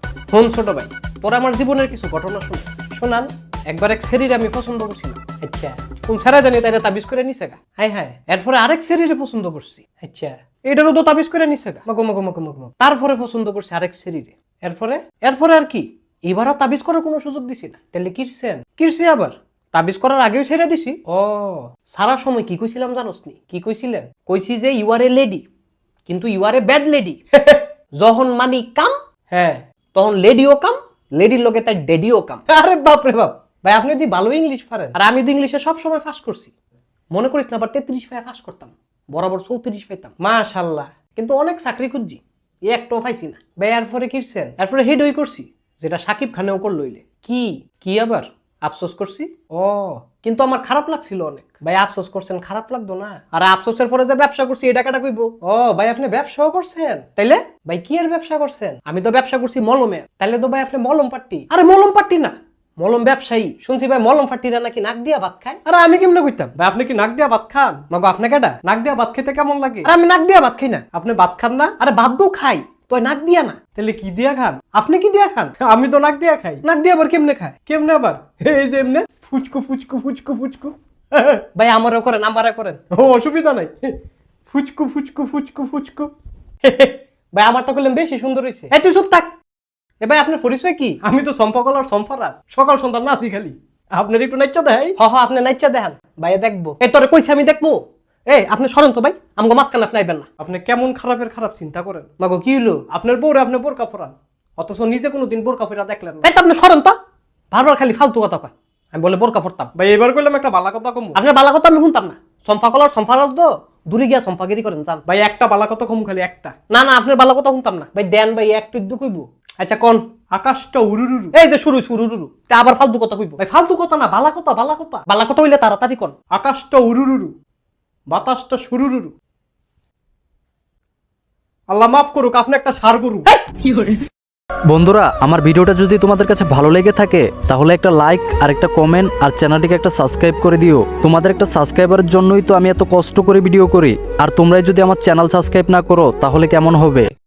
Phone ছোট ভাই, তোর আমার জীবনের কিছু ঘটনা শোনান। একবার এক শরীরে আমি পছন্দ করছিলাম। আচ্ছা কোন ছেড়ে জানি তাই তাবিজ করে নিছে গা। হাই হাই এরপরে আরেক শরীরে পছন্দ করছি, আচ্ছা এটারও তো তাবিজ করে নিছে গা। মগো মগো মগো মগো তারপরে পছন্দ করছি আরেক শরীরে। এরপরে এরপরে আর কি, এবার আর তাবিজ করার কোনো সুযোগ দিছি না। তাহলে কিরছেন? কিরছি আবার, তাবিজ করার আগেও ছেড়ে দিছি। ও সারা সময় কি কইছিলাম জানোস নি? কি কইছিলেন? কইছি যে ইউ আর এ লেডি, কিন্তু you are a bad lady. যখন মানি কাম হ্যাঁ তখন লেডিও কাম, লেডির লগে তার ডেডিও কাম। আরে বাপ রে বাপ, ভাই আপনি দি ভালো ইংলিশ পারেন। আর আমি তো ইংলিশে সবসময় ফাঁস করছি, মনে করিস না আবার 33 পায়ে ফাঁস করতাম, বরাবর 34 পাইতাম। মাশাআল্লাহ। কিন্তু অনেক চাকরি খুঁজছি, এ একটাও পাইছি না। ভাই এরপরে কিরছেন? এরপরে হেডই করছি, যেটা সাকিব খানেও করল লইলে। কি কি আবার আফসোস করছি, ও কিন্তু আমার খারাপ লাগছিল অনেক। ভাই আফসোস করছেন, খারাপ লাগতো না? আর আফসোসের পরে যে ব্যবসা করছি এটা কাটা কইব। ও ভাই আপনি ব্যবসাও করছেন? তাইলে ভাই কি এর ব্যবসা করছেন? আমি তো ব্যবসা করছি মলমের। তাহলে তো ভাই আপনি মলম পাট্টি। আরে মলম পাট্টি না, মলম ব্যবসায়ী। শুনছি ভাই মলম পাট্টিরা নাকি নাক দিয়া ভাত খায়। আরে আমি কেমনে কইতাম ভাই, আপনি কি নাক দিয়া ভাত খান? মগো আপনাকে এটা নাক দিয়া ভাত খেতে কেমন লাগে? আর আমি নাক দিয়া ভাত খাই না। আপনি ভাত খান না? আরে ভাত তো খাই, তুই নাক দিয়া না। তাহলে কি দিয়া খান? আপনি কি দিয়া খান? আমি তো নাক দিয়া খাই। নাক দিয়া আবার কেমনে খায়? কেমনে আবার, এই যে এমনে ফুচকু ফুচকু ফুচকু ফুচকু। ভাই আমারও করেন, আমারও করেন। ও অসুবিধা নাই, ফুচকু ফুচকু ফুচকু ফুচকু। ভাই আমারটা করলেন বেশি সুন্দর হইছে। এই তুই চুপ থাক। এ ভাই আপনার পরিচয় কি? আমি তো সম্পকলার সম্পারাজ, সকাল সন্ধ্যা নাচি খালি। আপনার একটু নাইচা দেয়। হ হ আপনি নাইচা দেখান, ভাইয়া দেখবো। এই তোরে কইছি আমি দেখবো। এই আপনি সরেন তো ভাই, আমাকে মাঝখানে আপনি আইবেন না। আপনি কেমন খারাপের খারাপ চিন্তা করেন। মাগো কি হলো? আপনার বউরে আপনি বোরকা পরান, অথচ নিজে কোনোদিন বোরকা পরা দেখলেন না। এই তো আপনি সরেন তো, বারবার খালি ফালতু কথা কয়। আমি বলে বোরকা পরতাম। ভাই এবার কইলাম একটা বালা কথা কম। আপনার বালা কথা আমি শুনতাম না। সম্পা কলার সম্পারাজ তো দূরে গিয়া সম্পাগিরি করেন জান। ভাই একটা বালা কথা কম, খালি একটা। না না আপনার বালা কথা শুনতাম না। ভাই দেন ভাই একটু ইদ্দু কইবো। আচ্ছা কোন আকাশটা উরুরুরু। এই যে শুরু শুরু রুরু তা আবার ফালতু কথা কইবো। ভাই ফালতু কথা না, বালা কথা বালা কথা। বালা কথা হইলে তাড়াতাড়ি কোন। আকাশটা উরুরুরু, বাতাসটা সুরুরুরু। আল্লাহ মাফ করুক, আপনি একটা সার গরু। বন্ধুরা, আমার ভিডিওটা যদি তোমাদের কাছে ভালো লেগে থাকে তাহলে একটা লাইক আর একটা কমেন্ট আর চ্যানেলটিকে একটা সাবস্ক্রাইব করে দিও। তোমাদের একটা সাবস্ক্রাইবারের জন্যই তো আমি এত কষ্ট করে ভিডিও করি, আর তোমরাই যদি আমার চ্যানেল সাবস্ক্রাইব না করো তাহলে কেমন হবে?